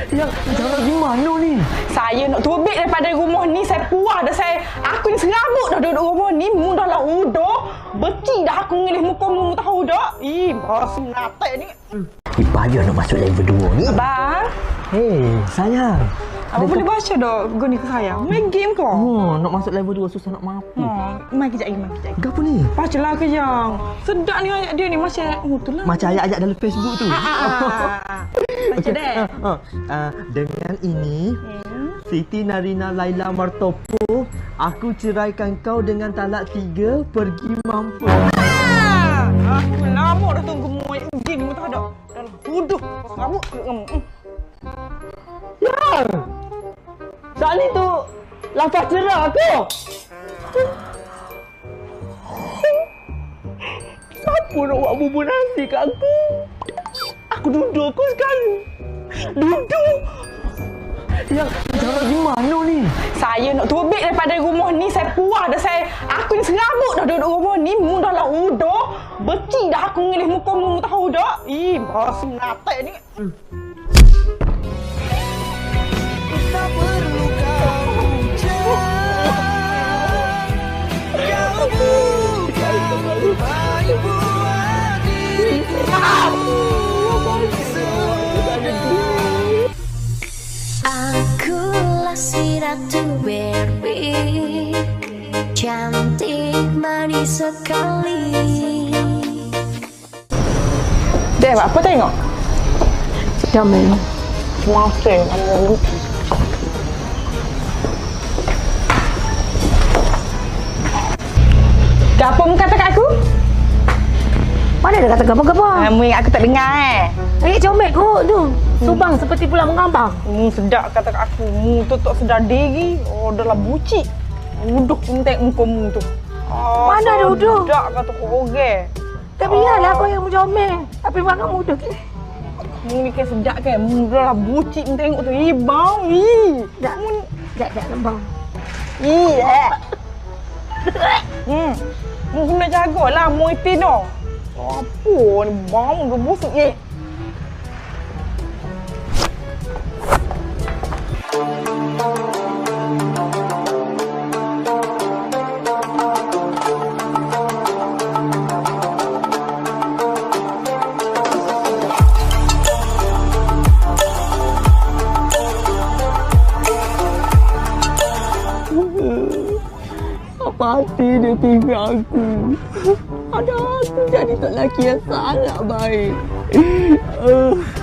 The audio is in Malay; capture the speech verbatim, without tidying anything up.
Yang jangan gimana ni? Saya nak terbit daripada rumah ni. Saya puas dah. Saya, aku ni serabut dah duduk rumah ni. Mu dah lah udah. Beci dah aku ngelih muka mu, tahu tak? Ih, bahasa menatek ni. Eh, bahaya nak masuk level dua ni. Abang, Hei, sayang. abang boleh baca tak goni ke saya? Main game ke? Oh, nak masuk level dua susah nak mampu. Ha, main kejap lagi, main kejap lagi. Apa ni? Bacalah kejap. Sedap ni ayat dia ni. Macam, oh tu lah. Macam ayat-ayat dalam Facebook tu. Ah, ah, ah. Baca Okey. deh. Ah, ah. Ah, dengan ini, Hmm. Siti Narina Laila Martopo, aku ceraikan kau dengan talak tiga, pergi mampu. Ah, aku lama dah tunggu mu ayat game ni. Tahu tak? Dah lah. Uduh. Serabut ke kamu? Hmm. Yang! Saat ni tu, lafaz cerah aku. Siapa nak buat bubur nasi kat aku? Aku duduk aku sekali. Duduk. Yang jangan gimana ni? Saya nak terbit daripada rumah ni. Saya puas dah. Saya, aku ni serabut dah duduk rumah ni. Mu dah lah udah. Beci dah aku ngelih muka mu, tahu tak? Ih, bahasa menatek ni. Hmm. Tak perlu kau ucap, kau bukan baik buat diriku. Akulah si Ratu Barbie, cantik manis sekali. Dek, apa tengok? Sedang main. Masih, nama Apa mu kata kat aku? Mana dia kata gapa-gapa? Ah, mu ingat aku tak dengar eh. Eh, comel kot tu. Subang hmm. seperti pulang mengambang. Mu sedap kata kat aku. Mu tu tak sedar diri. Oh, dah lah bucik. Uduh mu tengok muka mu tu. Oh, Mana ada uduh? Sedap kata kau orang. Tapi biarlah kau yang comel. Tapi makan muda. Mu ni kan sedap kan. Mu dah lah bucik mu tengok tu. Ih, bau. Ih. Tak, tak, tak lembang. Ih, eh. Hmm. Mu kena jagalah mu itin tu. Apa ni bau ke busuk eh. Apa hati dia tinggal aku? Ada aku jadi tak lelaki yang sangat baik. Uh.